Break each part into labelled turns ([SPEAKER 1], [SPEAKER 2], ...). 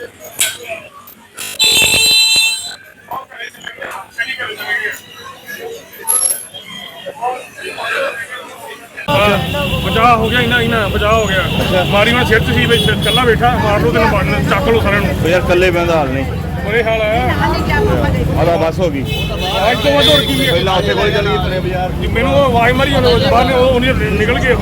[SPEAKER 1] बचाव हो गया इना बचाव हो गया। मारी मैं सिर सी कला बैठा मार लो तेन मारना चक लो सारे
[SPEAKER 2] यार कले बंद हाल नहीं
[SPEAKER 1] बुरे हाल है।
[SPEAKER 2] बस हो गई
[SPEAKER 1] आज तो वध होर की
[SPEAKER 2] पहला उत्थे कोल चली गई बाजार
[SPEAKER 1] मैनू आवाज मारी बाहर निकल गए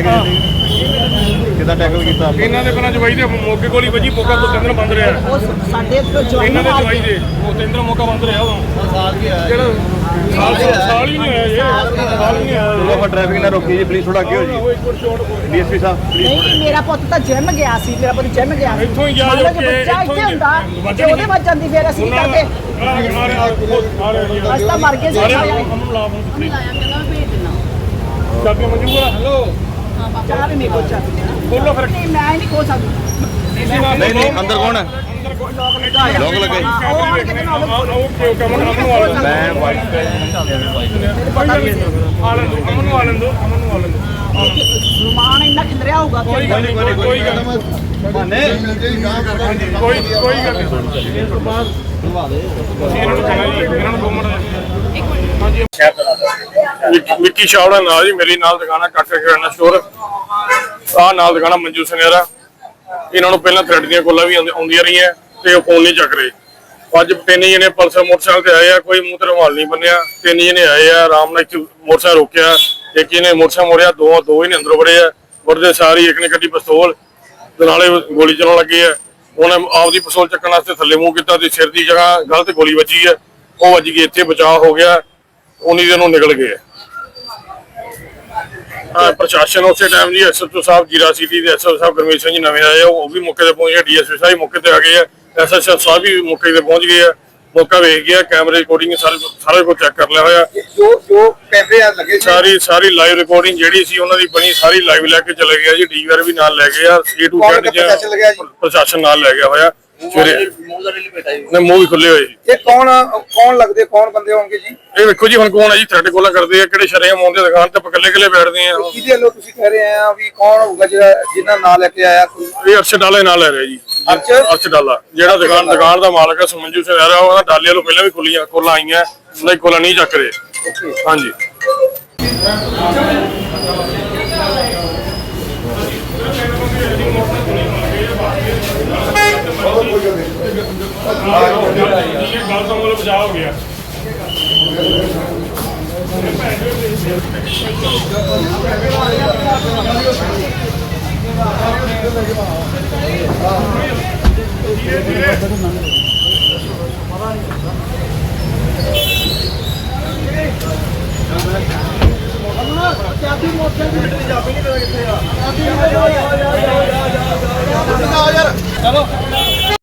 [SPEAKER 2] किदा टैकल कीता
[SPEAKER 1] इन्हां दे पहला जवाई दे मौके कोल ही वजी मौका तो केंद्र बंद रहा इन्हां दे जवाई दे केंद्र मौका बंद रहा साल ही नहीं आया ये साल ही नहीं आया।
[SPEAKER 2] चलो ट्रैफिक ना रोकी जी प्लीज थोड़ा क्यों जी डीएसपी साहब
[SPEAKER 3] नहीं मेरा पुੱਤ ਤਾਂ ਜਿਮ ਗਿਆ ਸੀ ਮੇਰਾ ਪੁੱਤ ਜਿਮ ਗਿਆ ਸੀ
[SPEAKER 1] ਇੱਥੋਂ ਹੀ ਗਿਆ ਜੋ ਕਿ
[SPEAKER 3] ਇੱਥੇ ਹੁੰਦਾ ਤੇ ਉਹਦੇ ਵੱਜ ਜਾਂਦੀ ਫਿਰ ਅਸੀਂ ਕਰਦੇ ਅਸੀਂ ਤਾਂ ਮਰ ਗਏ ਸੀ
[SPEAKER 1] ਚਾਬੀ ਮਨਜੂਰ ਹੈਲੋ
[SPEAKER 3] ਚਾਹ ਵੀ ਮੇਰੇ ਕੋਲ ਚਾਬੀ
[SPEAKER 1] ਬੋਲੋ ਫਿਰ
[SPEAKER 3] ਨਹੀਂ ਮੈਂ ਨਹੀਂ ਖੋ ਸਕਦੀ
[SPEAKER 2] नहीं नहीं अंदर कौन है लोग लगे मैं वाइट
[SPEAKER 3] रुमान इन्ना खिलरिया होगा
[SPEAKER 1] कोई गल विक्की छावड़ा नाल जी मेरी नाल दुकान है काका किराना स्टोर आ नाल दुकान मंजू सनेरा इन्होंने पहला थ्रेड दी कॉलां भी आउंदियां रही ते फोन नहीं चक रहे। अज तीन जने पल्सर मोटरसाइकिल ते आए कोई मुंह ते रुमाल नहीं बन्निया तीन जने आए आराम नाल मोटरसाइकिल रोकिया एक ने मोटरसाइकिल मोड़िया दो ही ने अंदरों वड़े वड़दे सारी एक ने कड्डी पिस्तौल नाले गोली चलाउण लगे उन्हें आपदी पिस्तौल चक्कण वास्ते थल्ले मूंह कीता ते सिर दी जगह गलत गोली वजी है वो वज गई इत्थे बचाव हो गया उन्हीं दिनों निकल गए। प्रशासन उस टाइम जी SHO साहब जीरा सिटी के SHO साहब गुरमीत सिंह जी नवे आए वो भी मौके पर पहुंच गए DSP साहब मौके पर आ गए SHO साहब भी मौके पर पहुंच गए मौका वेख गया कैमरे रिकॉर्डिंग सारे को चेक कर लिया होया
[SPEAKER 4] जो कैमरे लगे
[SPEAKER 1] सारी लाइव रिकॉर्डिंग जेडी सी उन्हां दी बनी सारी लाइव लेके चले गया जी DVR भी नाल ले गया A to Z प्रशासन नाल ले गया होया ਸਵੇਰੇ ਮੂੰਹ ਵੀ ਖੁੱਲੇ ਹੋਏ।
[SPEAKER 4] ਇਹ ਕੌਣ ਲੱਗਦੇ ਕੌਣ ਬੰਦੇ ਹੋਣਗੇ ਜੀ?
[SPEAKER 1] ਇਹ ਵੇਖੋ ਜੀ ਹੁਣ ਕੌਣ ਹੈ ਜੀ ਥ੍ਰੈਡ ਕੋਲਾਂ ਕਰਦੇ ਆ ਕਿਹੜੇ ਸ਼ਰੇਆਮ ਆਉਂਦੇ ਦੁਕਾਨ ਤੇ ਇਕੱਲੇ ਬੈਠਦੇ ਆ
[SPEAKER 4] ਕਿਹਦੇ ਵੱਲੋਂ ਤੁਸੀਂ ਕਹਿ ਰਹੇ ਆ ਵੀ ਕੌਣ ਹੋਊਗਾ ਜਿਹੜਾ ਜਿੰਨਾ ਨਾਂ ਲੈ ਕੇ ਆਇਆ ਕੋਈ?
[SPEAKER 1] ਇਹ ਅਰਸ਼ਦ ਡਾਲਾ ਨਾਲ ਲੈ ਰਿਹਾ ਜੀ ਅਰਸ਼ਦ ਡਾਲਾ ਜਿਹੜਾ ਦੁਕਾਨ ਦਾ ਮਾਲਕ ਹੈ ਸਮੰਜੂ ਸਿੰਘ ਰਹਿ ਰਿਹਾ ਉਹਦਾ ਡਾਲੇ ਵੱਲੋਂ ਪਹਿਲਾਂ ਵੀ ਕੋਲਾਂ ਆਈਆਂ ਨਹੀਂ ਕੋਲਾਂ ਨਹੀਂ ਚੱਕ ਰਹੇ। ਹਾਂਜੀ ਗੱਲ ਤੋਂ ਮਤਲਬ ਬਚਾਅ ਹੋ ਗਿਆ। चलो